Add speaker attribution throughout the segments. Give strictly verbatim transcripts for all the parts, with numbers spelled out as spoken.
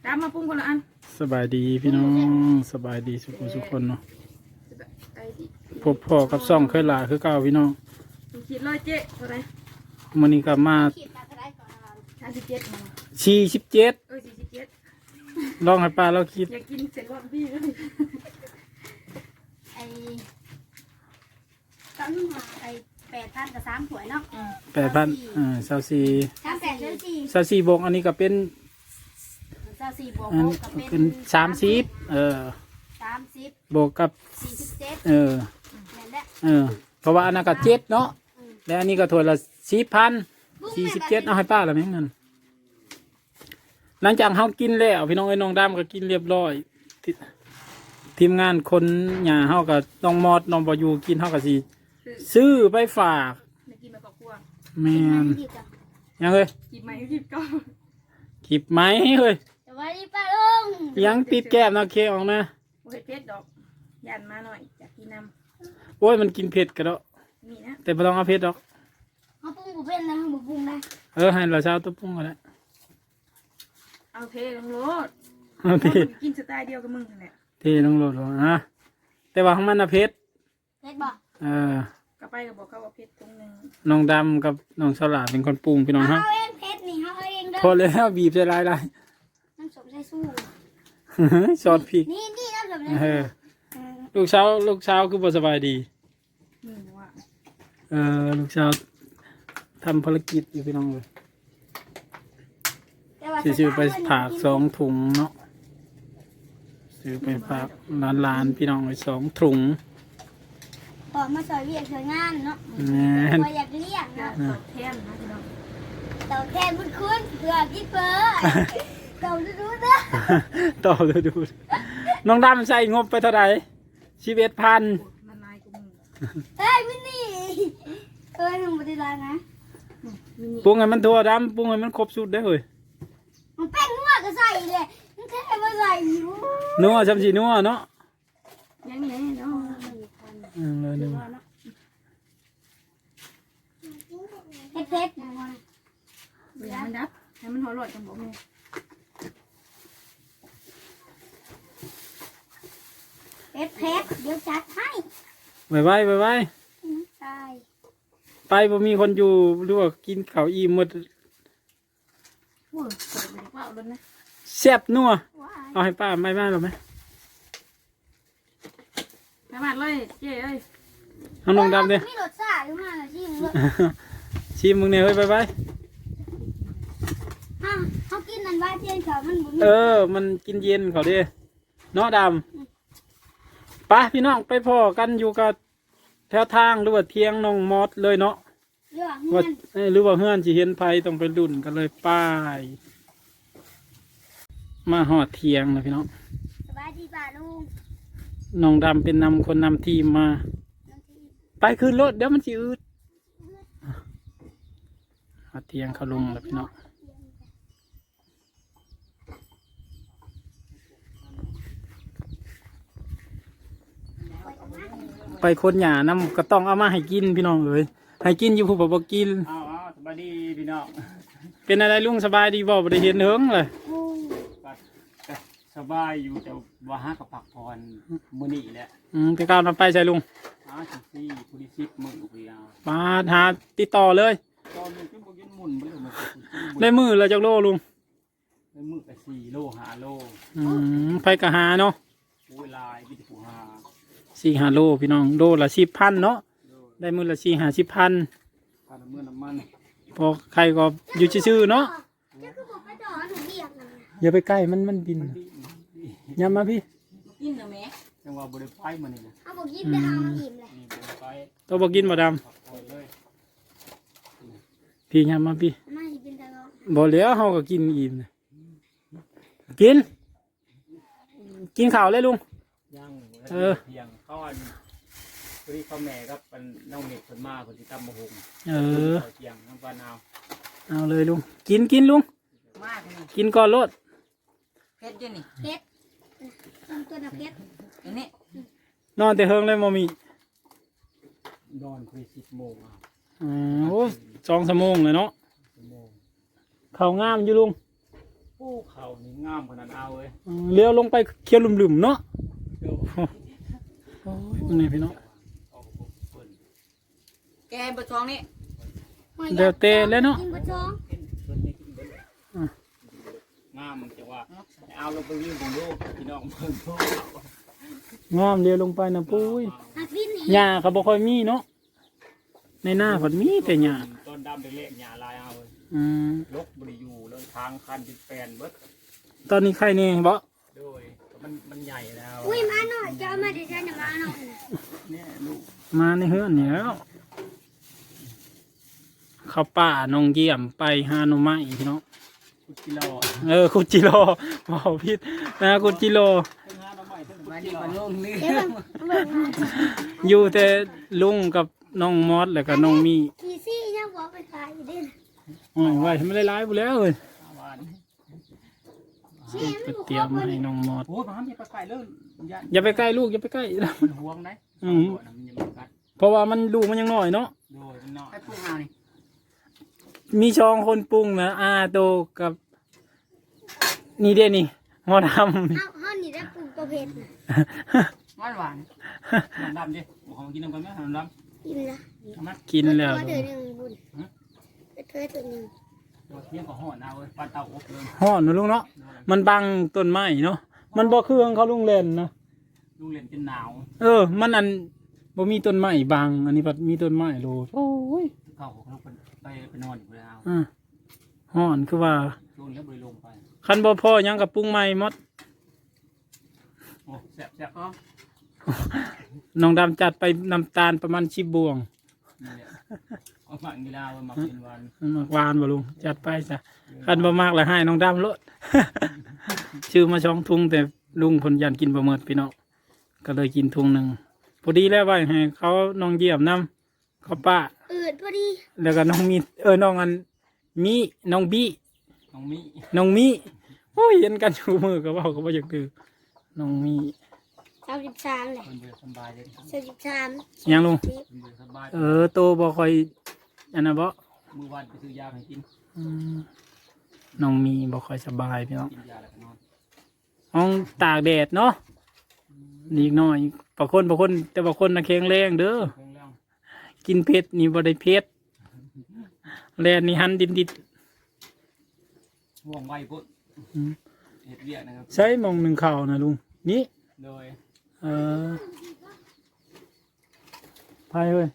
Speaker 1: ตามมาปรุงคนละอัน
Speaker 2: สบายดีพี่น้องสบายดีสุขสุขคนเนาะพบพ่อกับซ่องเคยหลาคือเก่าพี่น้อง
Speaker 1: ขีดร้อยเจ๊เท่าไร
Speaker 2: มื้อนี้ก็มา
Speaker 1: สามสิบเจ็ด
Speaker 2: สี่สิบเจ็ด
Speaker 1: เออสี่สิบเจ็ด
Speaker 2: ลองให้ป้าเราคิด
Speaker 1: อยากกินเสร็จรอบพี่เลย
Speaker 3: ไอ้ต้นหัวไอ้แปดพันกับสามถ้วยเนาะ
Speaker 2: แปดพันอ่าเศร้าสี่
Speaker 3: สามแปดเศร้าสี่
Speaker 2: เศร้าสี่บวกอันนี้ก็เป็น
Speaker 3: เศร้าสี่บวกกับ
Speaker 2: เป็
Speaker 3: เป็น
Speaker 2: สามสิบเออ
Speaker 3: สามสิบบ
Speaker 2: วกกับ
Speaker 3: สี่สิบเจ็ด
Speaker 2: เออ
Speaker 3: นั่นแหละ
Speaker 2: เออเพราะว่าอันนั้นก็เจ็ดเนาะแล้วอันนี้ก็ถ้วยละสี่พันสี่สิบเจ็ดเอาให้ป้าละไหมเงินหลังจากเขากินแล้วพี่น้องไอ้น้องดำก็กินเรียบร้อยทีมงานคนหย่าเขาก็น้องมอดน้องบอยูกินเขาก็สิซื้อไปฝาก
Speaker 1: กินมากับครัว
Speaker 2: แม่นยังเลย
Speaker 1: กินไหมกินก็
Speaker 2: กิบไหมเฮ้ย
Speaker 3: สวัสดีป้าลุง
Speaker 2: ยังติดแก้มนะเคออกนะ
Speaker 1: โอ้ยเพชรดอกยันมาหน่อยจากกินน้
Speaker 2: ำโอ้ยมันกินเผ็ดกันแล้ว
Speaker 1: นี่นะ
Speaker 2: แต่ไม่ต้องเอาเผ็ดดอก
Speaker 3: เขาปรุงบุเป็นนะบุปรุงได้
Speaker 2: เออให้เราเช้าตัวปรุงกันแล้ว
Speaker 1: เอาเทลงรถ
Speaker 2: เอาเท
Speaker 1: กินสไตล์เดียวกับมึงนั่นแหละ
Speaker 2: เทลงรถนะแต่ว่าของมันนะเผ็ด
Speaker 3: เผ็ดบ่
Speaker 2: เออก
Speaker 1: ลับไปก็บอกเขาว่าเผ็ดตรงนึง
Speaker 2: น้องดำกับน้องสลาเป็นคนปรุงพี่น้องฮะ
Speaker 3: เขาเองเผ็ดนี่เขาเองเด้อ
Speaker 2: พอแล้วบีบใส่ลายลาย
Speaker 3: น้ำส้มใส่สู้
Speaker 2: ซอสพริก
Speaker 3: นี่นี่น้ำส้มใส่
Speaker 2: ลูกสาวลูกสาวคือบ่สบายดีเออลูกสาวทำภารกิจอยู่พี่น้องเลยซื้อไปฝากสองถุงเนาะซื้อไปฝากร้านร้านพี่น้องเลยสองถุง
Speaker 3: พอมาสอยเวียกสอยงานเนาะพออยากเลี้ยงเนาะ
Speaker 1: ตอบแทนนะพี่น้อง
Speaker 3: ตอบแทนบุญคุณเพื่อกินเพื่อตอบดูดูนะ
Speaker 2: ตอบดูดูน้องดำใส่งบไปเท่าไหร่ชีวิตพัน
Speaker 3: เฮ้ยมินี่เอ้ยมึงไม่ได้ร้านนะ
Speaker 2: ปรุงให้มันทั่วดำปรุงให้มันครบสุดได้เลย
Speaker 3: มันเป็นนัวก็ใส่เลยมันแค่มาใส่อยู่
Speaker 2: นัวจำสีนัวเนาะ
Speaker 1: ยังไงเนาะ
Speaker 2: อืมเลยนัว
Speaker 3: เผ็ดเผ็ด
Speaker 1: เดี๋ยวมันดับให้มันหอร่อยจังบอกเลย
Speaker 3: เผ็ดเผ็ดเดี๋ยวจัดให้
Speaker 2: ไปไว้ไปไว้
Speaker 3: ตาย
Speaker 2: ไปบ่มีคนอยู่หรือว่ากินข้าวอิ่มหมดแซ่บนัวเอาให้ป้าไม่มาหรอไหม
Speaker 1: ไม่มาเลยเจ๊เอ้ย
Speaker 2: น้องน้องดำเนี่ย
Speaker 3: มีรสชาติอยู่มาชิมเลย
Speaker 2: ชิมมึงเนี่ยเฮ้ยไปไป
Speaker 3: ฮะเขากินนั่นว่าเทียนเขามันบุญ
Speaker 2: เออมันกินเย็นเขาดิเนาะดำไปพี่น้องไปพ่อกันอยู่กับแถวทางหรือว่าเทียงน้องมอสเลยเนาะว่าหรือว่าเฮือนจีเห็นไฟต้องไปดุนกันเลยป้ายมาหอดเทียงนะพี่น้อง
Speaker 3: สบายดีป่าลุง
Speaker 2: น้องดำเป็นนำคนนำทีมมาไปขึ้นรถเดี๋ยวมันจีอืดหอดเทียงเขาลงแล้วพี่น้องไปคนหยาน้ำก็ต้องเอามาให้กินพี่น้องเลยให้กินอยู่ผู้บ่กิน
Speaker 4: อ้าวสบายดีพี่น้อง
Speaker 2: เป็นอะไรลุงสบายดีบ่บ่ได้เห็นเฮิงเลย
Speaker 4: สบายอยู่แต่ว่าหากับผักพรมื้อนี้แหละ
Speaker 2: อืมพี่ก้าวนำไปใช่ลุง
Speaker 4: หาจังซี่ผู้ที่สิบมื้อพี่เอา
Speaker 2: มาหาติดต่อเลย
Speaker 4: ตอนนี้คือบ่กินหมุนบ่ได้มา
Speaker 2: ได้มือละจักโลลุง
Speaker 4: ได้มื้อก็สี่โลห้าโล
Speaker 2: อืมไปก็หาเนาะ
Speaker 4: โอ้ยลายมีแต่ผู้หา
Speaker 2: สี่ห้าโลพี่น้องโลละสิบพันเนาะได้มือละสี่ห้าสิบพัน
Speaker 4: ค่าน้ำมันน้ำมัน
Speaker 2: พอใครก็อยู่ชื่อๆเนาะอย่าไปใกล้มันมันบินย้ำมาพี่
Speaker 1: กินเหรอแม่
Speaker 4: จังว่าบริไฟมันนี่
Speaker 3: เอาบอกกินได้เอาอิ่มเลย
Speaker 2: ตัวบอกกินบ่ดำพี่ย้ำมาพี่บ่เหลียวเขาก็กินอิ่มเลยกินกินข้าวเลยลุง
Speaker 4: เออเพียงก้อนพอดีเขาแม่ก็เป็นน้องเน็ตคนมาคนที่ตำมะฮง
Speaker 2: เออ
Speaker 4: เพียงน้ำปลาเอา
Speaker 2: เอาเลยลุงกินกินลุงกินก่อนรถ
Speaker 1: เผ็ดยังนี่
Speaker 3: เผ็ดตัวน่ะเผ็ด
Speaker 1: อันนี้
Speaker 2: นอนแต่เฮิงเลยมอมี
Speaker 4: นอนคุยสิบโมงอ่ะ
Speaker 2: อ๋อสองชั่วโมงเลยเนาะเขางามอยู่ลุง
Speaker 4: โอ้เขานี่งามขนาดเอาเลย
Speaker 2: เออเลี้ยวลงไปเคี้ยวลุ่มๆเนาะ
Speaker 4: เดี๋ยว
Speaker 2: โอ้ยนี่พี่น้อง
Speaker 4: เอาผมเปิด
Speaker 1: แกงปลาท้องนี่
Speaker 2: เดี๋ยวเตะแล้วเนาะ
Speaker 3: กินปลาท้อง
Speaker 4: เห็นเปิดให้กินเบิดเลยงามมันจะว่าเอาลงไปวิ่งบนโลกพี่น้องเพิ่งโลก
Speaker 2: งอมเลี้ยวลงไปนะปุ้ย
Speaker 3: หักลิ้น
Speaker 2: หญ้าก็บ่ค่อยมีเนาะในหน้าเพิ่นมีแต่หญ้า
Speaker 4: ต้นดำเล็กๆหญ้าลายเอาเลย
Speaker 2: อืม
Speaker 4: ลกบริยูแล้วทางคันเป็นแปลนเบิด
Speaker 2: ตอนนี้ใครแน่บ่
Speaker 4: โดยมันมันใหญ่แล้ว
Speaker 3: อุ้ยมาหน่อยจะเอามาเดี๋ยวฉันจะมาหน่อย
Speaker 4: เนี่ยลูก
Speaker 2: มาในเฮือนนี่แล้วเข้าป่าน้องเยี่ยมไปหาหน่อไม้พี่น้อง
Speaker 4: คุดกิโล
Speaker 2: เออคุจิโร่บ่ผิดนะคุจิโร่
Speaker 4: ทั้งห้าน้ำใหม่ทั้ง
Speaker 1: มาดีกว่าลุงนี่
Speaker 3: เดี๋ยวเบิ่งเบิ่ง
Speaker 2: อยู่แต่ลุงกับน้องมอสแล้วก็น้องมี
Speaker 3: ขี่ซี่ยังบอกไปขายอยู่ดิ
Speaker 2: อ๋อไว้ให้มันหลายๆพุ่นแล้วเอ้ย
Speaker 4: วาน
Speaker 3: ซี่
Speaker 2: ไป
Speaker 3: มัน
Speaker 2: เตรียมมาให้น้องมอส
Speaker 4: โอ้ยมันอย่าไปไกลเลยยัน
Speaker 2: อย่าไปใกล้ลูกอย่าไปใกล้
Speaker 4: มันห่วงไหม
Speaker 2: อืม
Speaker 4: มันยังไม่กัด
Speaker 2: เพราะว่ามันลูกมันยังน้อยเนาะ
Speaker 4: โดยมันนอน
Speaker 1: ให้ปรุงเอานี่
Speaker 2: มีช่องคนปรุงนะอาโตกับ นี่เด้นี่หมอด
Speaker 3: เฮาเฮานี่ได้ปลูกตัวเพชรน่ะ
Speaker 2: ำ
Speaker 1: หวานหวาน
Speaker 4: น้ำดำดิบอกของกินน้ำกันไหมน้ำด
Speaker 3: กินละ
Speaker 4: ำเอามา
Speaker 2: กินแล้ว
Speaker 3: เดือนหนึ่งบุญเดือนตัวหนึ่ง
Speaker 4: ตัวเที่ยงก็ห่อเอาเลยปลาเต่าอบเลย
Speaker 2: ห่อนนะลุงเนาะมันบังต้นไม้เนาะมันบ่เครื่องเขาลุงเล่นนะ
Speaker 4: ลูกเล่นเป็นหนาว
Speaker 2: เออ มันอันบ่มีต้นไม้บังอันนี้ปัดมีต้นไม้โลดโอ้ย
Speaker 4: เข้าของลูกไปไปนอนอยู่แล้ว
Speaker 2: อ่าห่อนคือว่า
Speaker 4: ลงแล้วบริลงไป
Speaker 2: คันบ่พอหยังกับปรุงใหม่หมด
Speaker 4: โอ้แซ่บแซ่บ
Speaker 1: อ๋อ
Speaker 2: น้องดำจัดไปน้ำตาลประมาณสิบบวง
Speaker 4: นี่แหละเอามากีฬาเอามาเป็นวัน
Speaker 2: มากหวานบ่ลุงจัดไปจ้ะคันบ่มากแล้วให้น้องดำโลด ชื่อมาช่องทุงแต่ลุงเพนยันกินบ่หมดพี่น้องก็เลยกินทุงหนึงพอดีแล้วไว้ให้เขาน้องเยี่ยมนํเขาป้า
Speaker 3: อืดพอดี
Speaker 2: แล้วก็น้องมีเออน้องอันมีน้องบี้
Speaker 4: น้องมิ
Speaker 2: น้องมีโอ้ยเห็นกันชูมือก็เว่าก็บ่อยากคือน้องมี
Speaker 3: สามสิบสามเลย
Speaker 4: คนเบื่อสบายเลย
Speaker 3: สามสิบสาม
Speaker 2: ยังลุง
Speaker 3: สิบ
Speaker 4: คนเบื่อสบาย
Speaker 2: เออโตบ่ค่อยอันน่ะบ่
Speaker 4: มือวันไปซื้อยาให้กิน
Speaker 2: อืมน้องมีบ่ค่อยสบายพี่น้อง
Speaker 4: กินยาแล้วก็นอน
Speaker 2: ห้องตากแดดเนาะอีกหน่อยบางคนบางคนแต่บางคนน่ะแข็งแรงเด้อ
Speaker 4: เรื่องเรื่อง
Speaker 2: กินเผ็ดนี่บ่ได้เผ็ดแลนนี่หันดินดิด
Speaker 4: ห่วงไวปุ๊บ
Speaker 2: อืม
Speaker 4: เห็ดเวียกนะครับ
Speaker 2: ใช้หมองหนึ่งข้าวนะลุงนี่
Speaker 4: โดย
Speaker 2: เออพายเว้ย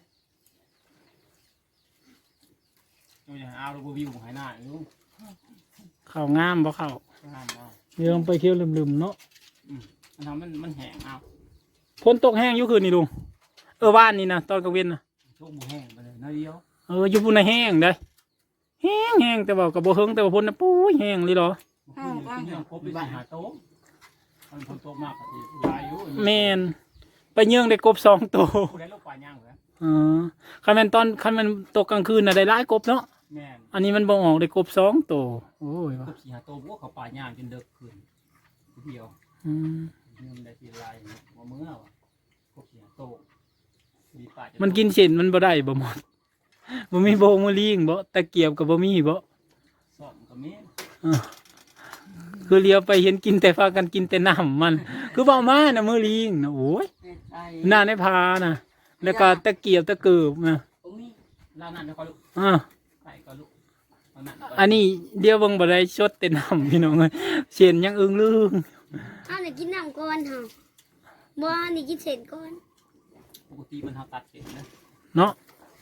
Speaker 4: ตัวอย่างเอาเราวิวหายหน้าอยู่
Speaker 2: ข้าวงามบ่ข้าว
Speaker 4: ห้ามเอา
Speaker 2: เดี๋ยวลงไปเคี้ยวลืมๆเนาะ
Speaker 4: มันทำมันมันแห้งเอา
Speaker 2: ฝนตกแห้งอยู่คืนนี่ลุงเออบ้านนี่นะตอนกลางเว้นนะ
Speaker 4: โชคบุแห้งไปเลยน้อยเดียว
Speaker 2: เอออยู่พุ่นน่ะแห้งได้แห้งแห้งแต่ว่าก็บ่เฮิงแต่ว่าพุ่นน่ะปุ้ยแห้งเลยเหรอ
Speaker 4: อ้าวอ้าวยังครบไปบ้านหาโต๊ะมันฝนตกมากกว่าที่ลายอยู่
Speaker 2: แม่นไปเยื่องได้กบสองตัว
Speaker 4: ผู้ใดลูกปลาย่างเหรอ
Speaker 2: อ๋อคันแม่นตอนคันแม่นตกกลางคืนน่ะได้หลายกบเนาะ
Speaker 4: แม่น
Speaker 2: อันนี้มันบ่ออกได้กบสองตัวโอ้ย
Speaker 4: คร
Speaker 2: ว่ะ
Speaker 4: บสี่หาโต๊ะพวกเขาปลาย่างจนเด็กขึ้นเดียว
Speaker 2: อืม
Speaker 4: เงินได้ทีลายว่าเมื่อวะครบสี่หาโต๊ะมีปลาจะ
Speaker 2: มันกินเส้นมันบ่ได้บ่หมดบ่มีโบมือลิงบ่ตะเกียบก็บ่มีบ่
Speaker 4: สอบกับเม้น
Speaker 2: อ่าคือเลี้ยวไปเห็นกินแต่พากันกินแต่น้ำมัน คือบ่เอามาน่ะมือลิงน่ะโอ้ย
Speaker 1: ใช่
Speaker 2: หน้าในพาน่ะแล้วก็ตะเกียบตะเกิบน่ะ
Speaker 4: ตรงนี้ร้านนั้นจะคอยลูก
Speaker 2: อ่า
Speaker 4: ไก่ก็ลูกเอานั่น
Speaker 2: อันนี้เดี๋ยวเบิ่งบ่ได้ชดแต่น้ำพี่น้องเอ้ยเส้นยังอึ้งลึง
Speaker 3: เอาหน่อยกินน้ำก่อนเฮาบ่เอาหน่อยกินเสร็จก่อน
Speaker 4: ปกติมันเขาตัดเสร็จนะ
Speaker 2: เนาะ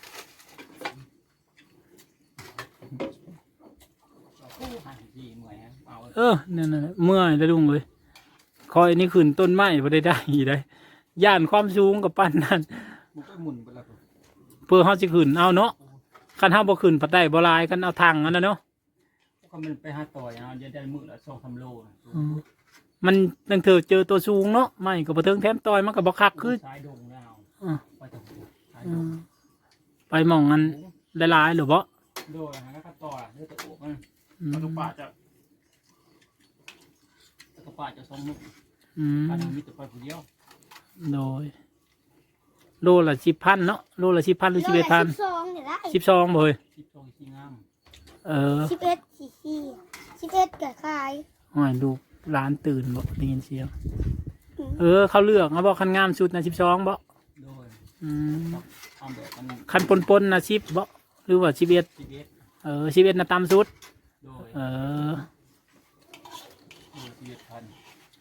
Speaker 4: ห้าสิบสี่หน่วยฮะเอา
Speaker 2: เออนั่นน่ะเมื่อยแล้วลุงเอ้ยคอยนี่ขึ้นต้นไม้บ่ได้ได้อีได้ย่านความสูงกับปานนั้น
Speaker 4: มันก็หมุนไปแล้ว
Speaker 2: เพื่อเฮาสิขึ้นเอาเนาะคันเฮาบ่ขึ้นปัดได้บ่หลายกันเอาทางอันนั้นเนาะ
Speaker 4: ก็มันไปหาต่อยเอาจะได้มือละสองสามโล
Speaker 2: อืมมันตั้งเถือเจอตัวสูงเนาะไม่ก็บ่ถึงแถมต่อยมันก็บ่คักคือ
Speaker 4: สายดงแล้ว
Speaker 2: อ่า
Speaker 4: ไปตรงสาย
Speaker 2: อื
Speaker 4: ดง
Speaker 2: มไปหม่องนั้นหลายๆหรือบ่
Speaker 4: โดยแล้วก็ต่อเลือดตะโอบมัน
Speaker 2: อืม
Speaker 4: กระป่าจะกระป่าจะสองมือ
Speaker 2: อืม
Speaker 4: การมีแต่ไปผู้เดียว
Speaker 2: โดยโลละสิบพันเนาะโลละสิบพันหรือสิบเอ็ดพัน
Speaker 3: สิบสองเนี่ยได้
Speaker 2: สิบสองบ่เฮ้ย
Speaker 4: สิบสองสี่งาม
Speaker 2: เออ
Speaker 3: สิบเอ็ดสี่สี่สิบเอ็ดก็ขาย
Speaker 2: ห้อยลูกร้านตื่นบ่ได้ยินเสียงเออเขาเลือกเขาบอกคันงามสุดนะสิบสองบ่
Speaker 4: โดย
Speaker 2: อืม
Speaker 4: เอาแบบมัน
Speaker 2: คันปนปนๆนะสิบบ่หรือว่าสิบเอ็ด
Speaker 4: ชีวิต
Speaker 2: เออสิบเอ็ดนะต่ำสุด
Speaker 4: โดย
Speaker 2: เออ
Speaker 4: โดยชีวิตพัน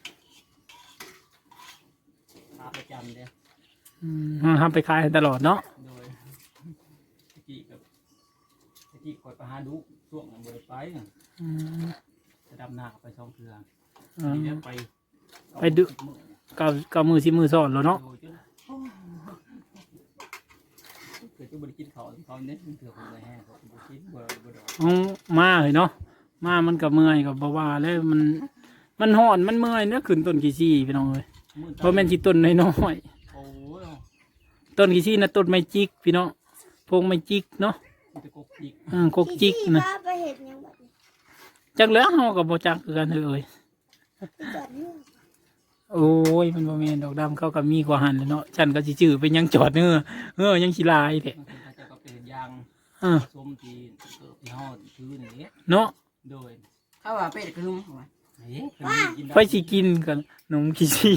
Speaker 4: หาประจำเด้
Speaker 2: อืมทำไปขายตลอดเนาะ
Speaker 4: โดยตะกี้กับตะกี้คอยไปหาดูช่วงนั้นบ่ได้ไป
Speaker 2: อืม
Speaker 4: จะดำนาไปสองเทื่อ
Speaker 2: เออ
Speaker 4: ทีนี้ไป
Speaker 2: ไปดู เก้าเก้ามือสิบมือสอนแล้วเนาะ
Speaker 4: โดยจนเกิดจะบ่ได้กินข้าวเขาเน้นเถื่อคนเลยแห้งเขาบ่กินบ่บ่ดอก
Speaker 2: เอามาเลยเนาะมามันกับเมื่อยกับบ่ว่าแล้วมันมันห่อนมันเมื่อยเนี่ยขึ้นต้นกี่ซี่พี่น้องเอ้ย
Speaker 4: มื้อ
Speaker 2: เพราะแม่นสิต้นน้อย
Speaker 4: โอ้ย
Speaker 2: ๆต้นกี่ซี่นะต้นไม้จิกพี่น้องพงไม้จิกเนาะ
Speaker 4: มีแต่กบจิก
Speaker 2: เออกกจิก
Speaker 3: ที่
Speaker 2: นะ
Speaker 3: พาไปเห็ดหยังแบบนี้
Speaker 2: จักแล้วเฮาก็บ่จักคือกันเอ้ย
Speaker 3: ไปจอดเนื้อ
Speaker 2: โอ้ยมันบ่แม่นดอกดำเขาก็มีกว่าหันแหล้วเนาะฉันก็สิจื้อไปยังจอดเนื้อเออยังสิลายแท้
Speaker 4: บางทีเขาจะก็เป็นยาง
Speaker 2: เออ
Speaker 4: ส้มที่เกิดที่ห่อซื้อนี่
Speaker 2: เนาะ
Speaker 4: โดย
Speaker 1: เขาว่าเป็ดกระลุมเขาว่า
Speaker 4: เฮ้ยคนนี้กินได้
Speaker 2: ไปสิกินกันนมขี้ซี่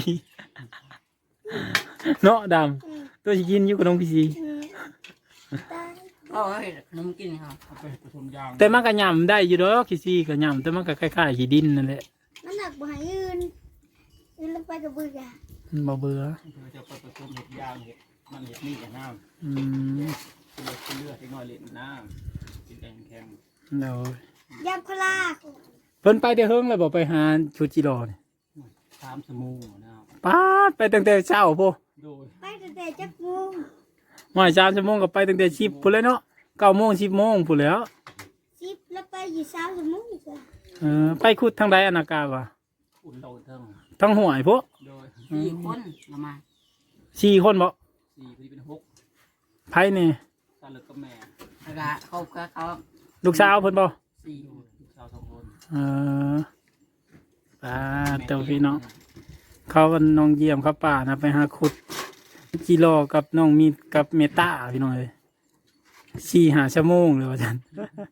Speaker 2: เนาะดำตัวสิกินอยู่กับนมขี้ซี่
Speaker 3: อืมตาย
Speaker 1: เขาว่าเฮ็ดขนมกินเขา
Speaker 4: เอาไปผสมยาง
Speaker 2: แต่มันก็ย่ำได้อยู่ดอกขี้ซี่ก็ย่ำแต่มันก็คล้ายๆขี้ดินนั่นแหละ
Speaker 3: มันหนักบ่ให้ยืนยืนลงไปกับเบื่อ
Speaker 2: มันบ่เบื่อ
Speaker 4: เธอจะไปผสมเห็ดยางเห็ดมันเห็ดนี่กับน้ำ
Speaker 2: อืม
Speaker 4: เลือดเลือดให้น้อยเล็ดน้ำกินแดงแข็ง
Speaker 2: เดี๋ยวย
Speaker 3: ำพลา
Speaker 2: เพิ่นไปแต่เฮิงแล้วบ่ไปหาชุดจิโร่นี่
Speaker 4: สามสมูนะ
Speaker 2: ป๊าดไปตั้งแต่เช้าพุ่น
Speaker 4: โดย
Speaker 3: ไปตั้งแต่จักโมง
Speaker 2: มาสามชั่วโมงก็ไปตั้งแต่สิบพุ่นเลยเนาะเก้าโมงสิบโมงพุ่นแล้ว
Speaker 3: สิบแล้วไปอยู่สามชั่วโมงอีกแล้ว
Speaker 2: เออไปขุดทางใดอนนากาวะ
Speaker 4: อุ่นโดนเทิง
Speaker 2: ทางห้วยพุ่น
Speaker 4: โดย
Speaker 1: สี่คนละมา
Speaker 2: สี่คนบ่
Speaker 4: สี่พอดีเป็นหก
Speaker 2: ไผนี่
Speaker 4: ตาเลิกกับแม่
Speaker 1: แล้วก็เขาก็เขา
Speaker 2: ลูกสาวเพิ่นบ่
Speaker 1: สี่
Speaker 4: โดยลูกสาวสองคน
Speaker 2: เออป้าดเจ้าพี่น้องเขาวันน้องเยี่ยมครับป้านะไปหาขุดจิโร่กับน้องมีดกับเมตาพี่น้องเอ้ยสี่หาชั่วโมงเลยว่าจัน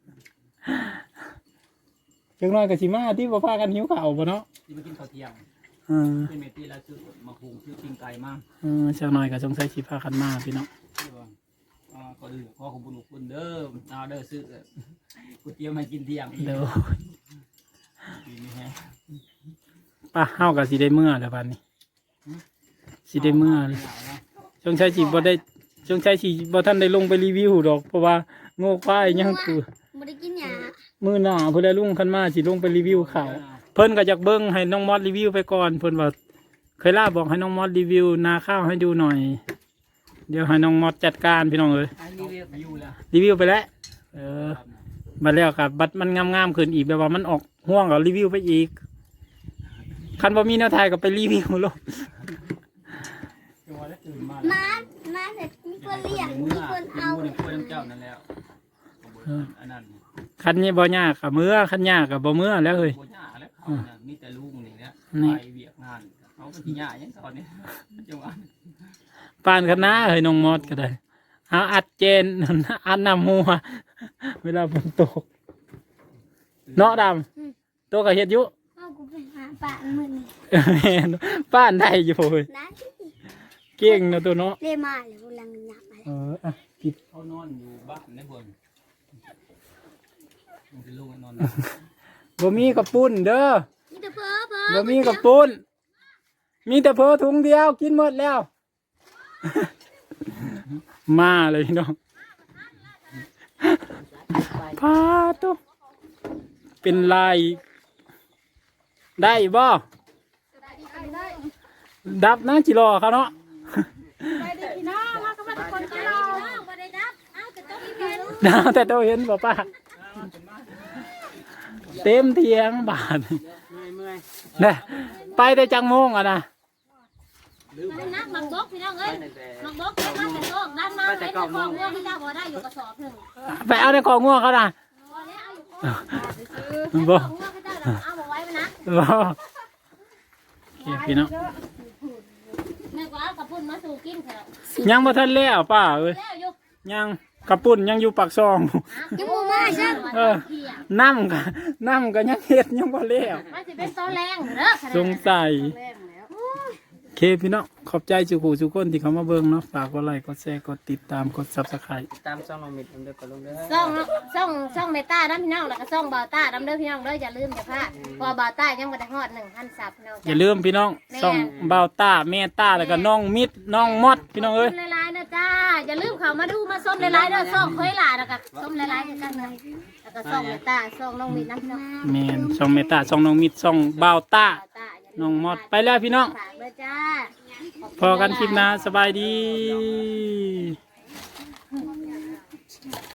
Speaker 2: จังน้อยก็สิมาที่บ่พากันหิวข้าวบ่เนาะ
Speaker 4: ที่มากินข้าวเที่ยง
Speaker 2: เออ
Speaker 4: เป็นเมตีแล้วซื้อมาหุงซื้อปิ้งไก่มา
Speaker 2: เออจังน้อยก็สงสัยสิพากันมาพี่น้อง
Speaker 4: อ่าก็อื่นขอขอบคุณทุกคนเด้อเอาเด้อซื้อก๋วยเตี๋ยวมากินเที่ยง
Speaker 2: เดี๋ยว
Speaker 4: ดีนี่ฮะ
Speaker 2: ป้าเฮาก็สิได้เมื่อแล้วบัดนี้สิได้เมื่อสงสัยสิบ่ได้สงสัยสิบ่ทันได้ลงไปรีวิวดอกเพราะว่าโง่ควายยังคือ
Speaker 3: บ่ได้กินหยา
Speaker 2: มื้อหน้าเพิ่นได้ลุงคันมาสิลงไปรีวิวข้าวเพิ่นก็อยากเบิ่งให้น้องมอดรีวิวไปก่อนเพิ่นว่าเคยล่าบอกให้น้องมอดรีวิวนาข้าวให้ดูหน่อย เดี๋ยวให้น้องมอดจัดการพี่น้องเอ้ย
Speaker 1: อันนี้เรียก
Speaker 4: อายุแล้ว
Speaker 2: รีวิวไปแล้วเออบัดแล้วก็บัดมันงามๆขึ้นอีกแบบว่ามันออกห่วงก็รีวิวไปอีกคันบ่มีแนวถ่ายก็ไปรีวิวโลด
Speaker 4: จังหวะแล้วตื่นมา
Speaker 3: มามาเสร็จมีคนเลี้ยงมีคนเอา
Speaker 4: เมื่อคนเจ้านั่นแล้วอันนั้น
Speaker 2: คันนี้บ่ยากก็เมื่อคันยากก็บ่เมื่อแล้วเฮ้ย
Speaker 4: โบย่าแล้วเขาเนี่ยมีแต่ลุงนี่แหละไปเวียกงานเขาเป็นที่ย่าอย่างตอนนี้จังหวะ
Speaker 2: ปานคณะเฮ้ยน้องมอดก็ได้เอาอัดเจน อัดน้ำหัวเวลาฝนตกเนาะดำตัวก็เฮ็ดอยู่
Speaker 3: เอากูไปหาปลามื้อนี้
Speaker 2: แม่นป้านได้อยู่เฮ้ย
Speaker 3: นะ
Speaker 2: เก่งเนาะตัวเนาะ
Speaker 3: เลยมาแล้วกำลังหยับมา
Speaker 2: เอออ่ะปิด
Speaker 4: เขานอนอยู่บ้านในบนมันเป็นลูกนอน
Speaker 2: บ่มีกระปุ้นเด้อ
Speaker 3: มีแต่เพ้อเพ้อ
Speaker 2: บ่มีกระปุ้นมีแต่เพอถุงเดียวกินหมดแล้ว มาเลยพี่น้องพาตุ๊เป็นลายได้บ่ดับนะจิรอเขาเนาะ
Speaker 3: ไปดิพี่น้องมาก็มาทุกคนไปรอบ่ได้ดับเอาแต่ต้องมีเห็น
Speaker 2: ดาวแต่ตัวเห็นบ่ป้าเต็มเทียงบาท
Speaker 1: เมื่อยเมื่อย
Speaker 2: นะไปได้จังโมงอ่ะนะ
Speaker 3: มันนักมักบกพี่น้องเอ้ย
Speaker 1: ตั้งแต่
Speaker 3: มักบกเก็บมาแต่โลกด้านมาเห็นแต่ของเรื่องที่เจ้าบ่ได้อยู่กระสอบหนึง
Speaker 2: ไปเอาในของง่วงเขานะ
Speaker 3: บ่แล้วเอาอยู่
Speaker 2: บ่
Speaker 3: ของเรื่องที่เจ้าน่ะเอาบ่ไว้มันนะ
Speaker 2: บ่โอเคพี่น้อง
Speaker 3: แม่ก็เอากระปุ่นมาสู่กินเถอะ
Speaker 2: ยังบ่ทันแล้วป้าเอ้ย
Speaker 3: แล้วอยู่
Speaker 2: ยังกระปุ่นยังอยู่ปากซอง
Speaker 3: ยังบ่มาใช่
Speaker 2: เออน้ำก็น้ำก็ยังเฮ็ดยังบ่แล้ว
Speaker 3: มันสิเป็นตอนแรงเด้อ
Speaker 2: สงสัย
Speaker 1: แรงแล้ว
Speaker 2: โอเคพี่น้องขอบใจสุขุสุกคนที่เขามาเบิ่งเนาะฝากกดไลค์กดแชร์กดติดตามกด ซับสไครบ์
Speaker 4: ตามช่องน้องมิดเด้อก็ลงเด้อ
Speaker 3: ซ่องซ่องซ่องเมตาดำพี่น้องแล้วก็ซ่องบ่าวต้าดำเด้อพี่น้องเด้ออย่าลืมอย่าพลาดเพอบ่าวต้ายังบ่ได้ฮอดหนึ่งพันซับพี่น้อง
Speaker 2: อย่าลืมพี่น้องส่องบ่าวต้าแม่ต้าแล้วก็น้องมิดน้องมอดพี่น้องเอ้ย
Speaker 3: ส้มหลายๆนะจ้าอย่าลืมเข้ามาดูมาส้มหลายๆเด้อซ่องเคยหลาแล้วก็ส้มหลายๆคือกันนะแล้วก็ซ่องเมตาซ่องน้องมีน้ำพี่น้อง
Speaker 2: แม่นส่องแม่ต้าส่องน้องมิดส่องบ่าวต้า
Speaker 3: บ่าวต้าอย่าลื
Speaker 2: น้องมอดไปแล้วพี่น้อง
Speaker 3: ฝากเด้อจ้า
Speaker 2: พอกันคลิปหน้าสบายดี